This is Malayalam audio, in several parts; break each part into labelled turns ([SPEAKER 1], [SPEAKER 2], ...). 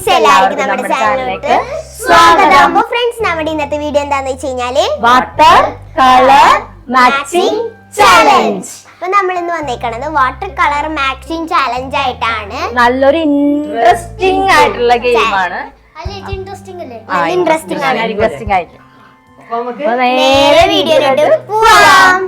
[SPEAKER 1] എല്ലാവർക്കും നമ്മുടെ ചാനലിലേക്ക് സ്വാഗതം. അപ്പോൾ ഫ്രണ്ട്സ്, നമ്മുടെ ഇന്നത്തെ വീഡിയോ എന്താണെന്ന് വെച്ച് കഴിഞ്ഞാല്
[SPEAKER 2] വാട്ടർ കളർ മാച്ചിങ് ചാലഞ്ച്.
[SPEAKER 1] അപ്പൊ നമ്മൾ ഇന്ന് വന്നേക്കണത് വാട്ടർ കളർ മാച്ചിങ് ചാലഞ്ച് ആയിട്ടാണ്.
[SPEAKER 2] നല്ലൊരു ഇൻട്രസ്റ്റിംഗ് ആയിട്ടുള്ള ഗെയിമാണ്.
[SPEAKER 1] ഇൻട്രസ്റ്റിംഗ് ആണ്.
[SPEAKER 2] ഇൻട്രസ്റ്റിംഗ് ആയിരിക്കും.
[SPEAKER 1] അപ്പൊ നേരെ വീഡിയോയിലോട്ട് പോവാം.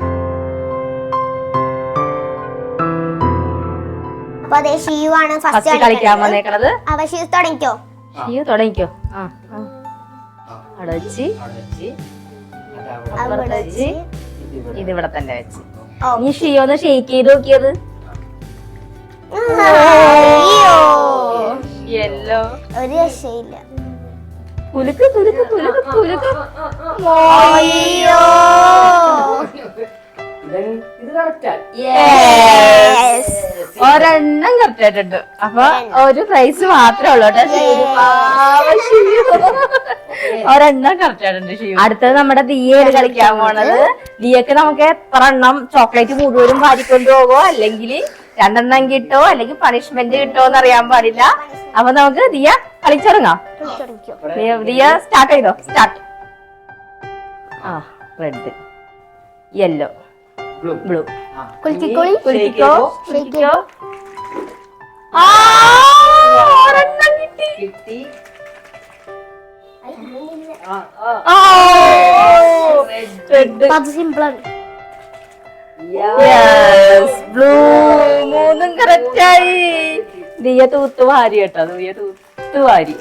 [SPEAKER 1] അപ്പൊ അതെ, ഷിയു ആണ് ഫസ്റ്റ്
[SPEAKER 2] കളിക്കാൻ വന്നേക്കണത്.
[SPEAKER 1] അപ്പൊ ഷിയു തുടങ്ങിക്കോ.
[SPEAKER 2] ഷിയു തുടങ്ങിക്കോ. അവിടെ വെച്ച് ഇതിവിടെ തന്നെ വെച്ച് നീ ഷിയോ ഒന്ന് ഷെയ്ക്ക് ചെയ്ത് നോക്കിയത്. യെല്ലോ
[SPEAKER 1] ഒരു രക്ഷയില്ല.
[SPEAKER 2] കുലുക്ക് കുലുക്ക് കുലുക്ക് കുലുക്ക്. ഒരെണ്ണം കറക്റ്റ് ആയിട്ടുണ്ട്. അപ്പൊ ഒരു പ്രൈസ് മാത്രമേ ഉള്ളൂ കേട്ടോ. ഒരെണ്ണം കറക്റ്റ് ആയിട്ടുണ്ട് ഷിയു. അടുത്തത് നമ്മുടെ ദിയയാണ് കളിക്കാൻ പോണത്. ദിയക്ക് നമുക്ക് എത്ര എണ്ണം ചോക്ലേറ്റ് മുഴുവനും വാരിക്കൊണ്ടു പോകോ, അല്ലെങ്കിൽ രണ്ടെണ്ണം കിട്ടോ, അല്ലെങ്കിൽ പണിഷ്മെന്റ് കിട്ടോ എന്ന് അറിയാൻ പാടില്ല. അപ്പൊ നമുക്ക് ദിയ കളിച്ചിറങ്ങാം. ദിയ സ്റ്റാർട്ട് ചെയ്തോ. സ്റ്റാർട്ട്. Red, yellow, blue. കുലുക്കിക്കോ കുലുക്കിക്കോ. കിട്ടി. ബ്ലൂ. മൂന്നും കറക്റ്റായി. ദിയ തൂത്ത് വാരി കേട്ടോ. ദിയ തൂത്ത് വാരി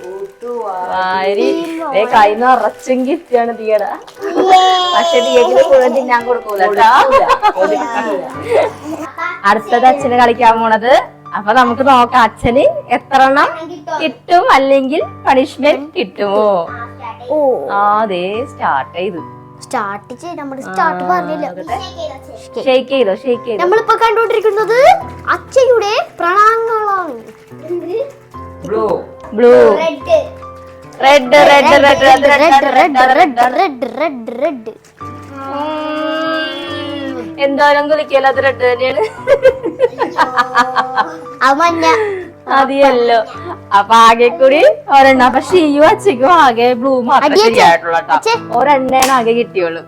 [SPEAKER 2] കൈ നിറച്ചും ഗിഫ്റ്റാണ് ദിയട. പക്ഷെ ദിയക്കിന് മുഴുവൻ തിന്നാൻ കൊടുക്കൂല. അടുത്തത് അച്ഛന് കളിക്കാൻ പോണത്. അപ്പൊ നമുക്ക് നോക്കാം അച്ഛന് എത്ര എണ്ണം കിട്ടും, അല്ലെങ്കിൽ പണിഷ്മെന്റ് കിട്ടുമോ. അതെ, സ്റ്റാർട്ട് ചെയ്തു.
[SPEAKER 1] സ്റ്റാർട്ട് പറഞ്ഞില്ല.
[SPEAKER 2] ഷെയ്ക്ക് ചെയ്തോ. ഷെയ്ക്ക് ചെയ്തോ.
[SPEAKER 1] നമ്മളിപ്പോ കണ്ടുകൊണ്ടിരിക്കുന്നത് അച്ഛയുടെ പ്രണാങ്ങളാണ്.
[SPEAKER 2] Blue, red, red, red, red,
[SPEAKER 1] red.
[SPEAKER 2] എന്തോരം കുലിക്കല്ലോ. അത് റെഡ് തന്നെയാണ്. അതിയല്ലോ. അപ്പൊ ആകെ കൂടി ഒരെണ്ണം. അപ്പൊ ഷിയു അച്ഛക്കും ആകെ ബ്ലൂ മാത്രമേ ശരിയായിട്ടുള്ളൂ കേട്ടോ. ഒരെണ്ണയാണ് ആകെ കിട്ടിയുള്ളൂ.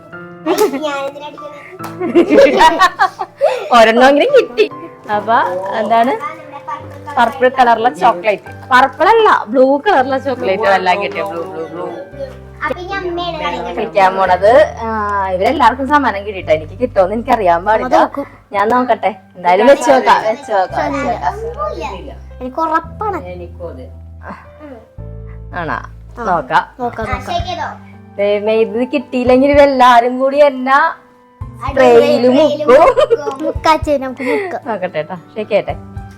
[SPEAKER 2] ഒരെണ്ണമെങ്കിലും കിട്ടി. അപ്പൊ എന്താണ്, പർപ്പിൾ കളറിലെ ചോക്ലേറ്റ്. പർപ്പിൾ അല്ല, ബ്ലൂ കളറിലെ ചോക്ലേറ്റ് എല്ലാം കിട്ടിയ. Blue blue blue. കളിക്കാൻ പോണത്. ഇവരെല്ലാവർക്കും സമ്മാനം കിട്ടിട്ടോ. എനിക്ക് കിട്ടുമെന്ന് എനിക്ക് അറിയാൻ പാടില്ല. ഞാൻ നോക്കട്ടെ. എന്തായാലും വെച്ച് നോക്കാം.
[SPEAKER 1] എനിക്ക് ഉറപ്പാണ്.
[SPEAKER 2] ആണോ, നോക്കാം. ഇത് കിട്ടിയില്ലെങ്കിൽ ഇവരെല്ലാരും കൂടി എന്നാ സ്പ്രേയില് മുക്കും. നോക്കട്ടെ കേട്ടോ. ഷേക്കേട്ടെ.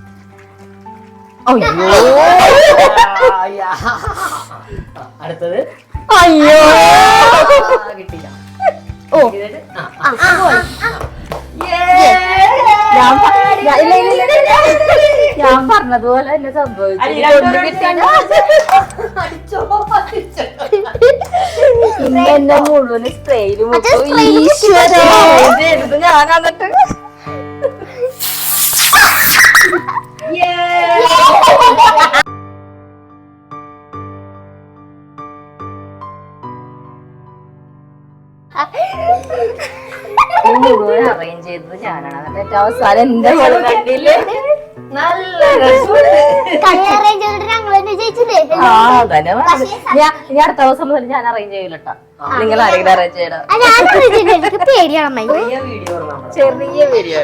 [SPEAKER 3] അടുത്തത്.
[SPEAKER 2] അയ്യോ,
[SPEAKER 3] കിട്ടില്ല.
[SPEAKER 2] ഞാൻ പറഞ്ഞതുപോലെ തന്നെ സംഭവിച്ചു. എന്നെ മുഴുവൻ സ്പ്രേയില് മുക്കും. ഈശ്വര, ഞാൻ എന്നിട്ട് മുഴുവൻ അറേഞ്ച് ചെയ്തത് ഞാനാണ്. എന്നിട്ട് അവസാനം എന്റെ മോള് കണ്ടില്ലേ, നല്ല ഞാൻ അടുത്ത ദിവസം മുതൽ ഞാൻ അറേഞ്ച് ചെയ്യില്ലട്ടോ. നിങ്ങൾ ആരെങ്കിലും അറേഞ്ച് ചെയ്യണം. ചെറിയ വീഡിയോ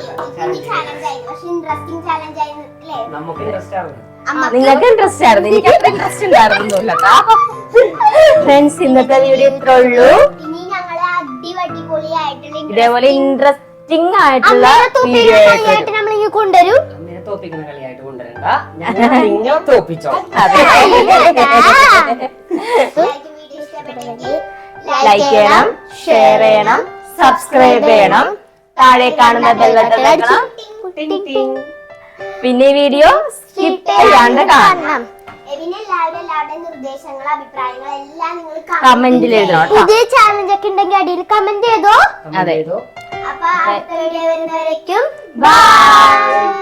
[SPEAKER 2] നിങ്ങൾക്ക് ഇൻട്രസ്റ്റ് ആയിരുന്നു. എനിക്ക് അത്ര ഇൻട്രസ്റ്റ് ഉണ്ടായിരുന്നില്ല. ഫ്രണ്ട്സ്, ഇന്നത്തെ വീഡിയോ ഇത്രേ ഉള്ളൂ. ഇതേപോലെ ഇൻട്രസ്റ്റിംഗ് ആയിട്ടുള്ള വീഡിയോ ആയിട്ട് നമ്മൾ കൊണ്ടുവരും.
[SPEAKER 3] തോപ്പിക്കുന്ന കളിയായിട്ട് കൊണ്ടുവരണ്ട, നിങ്ങൾ തോപ്പിച്ചോ.
[SPEAKER 2] ലൈക്ക് ചെയ്യണം, ഷെയർ ചെയ്യണം, സബ്സ്ക്രൈബ് ചെയ്യണം, താഴെ കാണുന്ന ബെൽ ബട്ടൺ അമർത്തണം. പിന്നെ വീഡിയോ സ്കിപ്പ് ചെയ്യാണ്ട് കാണണം. കമന്റിൽ എഴുതണം.
[SPEAKER 1] ഇതേ ചാലഞ്ച് ഒക്കെ ഉണ്ടെങ്കിൽ അടിയിൽ കമന്റ് ചെയ്തോ.
[SPEAKER 2] അതെ.
[SPEAKER 1] അപ്പൊ അടുത്ത വീഡിയോ വരുന്നവരേക്കും ബൈ.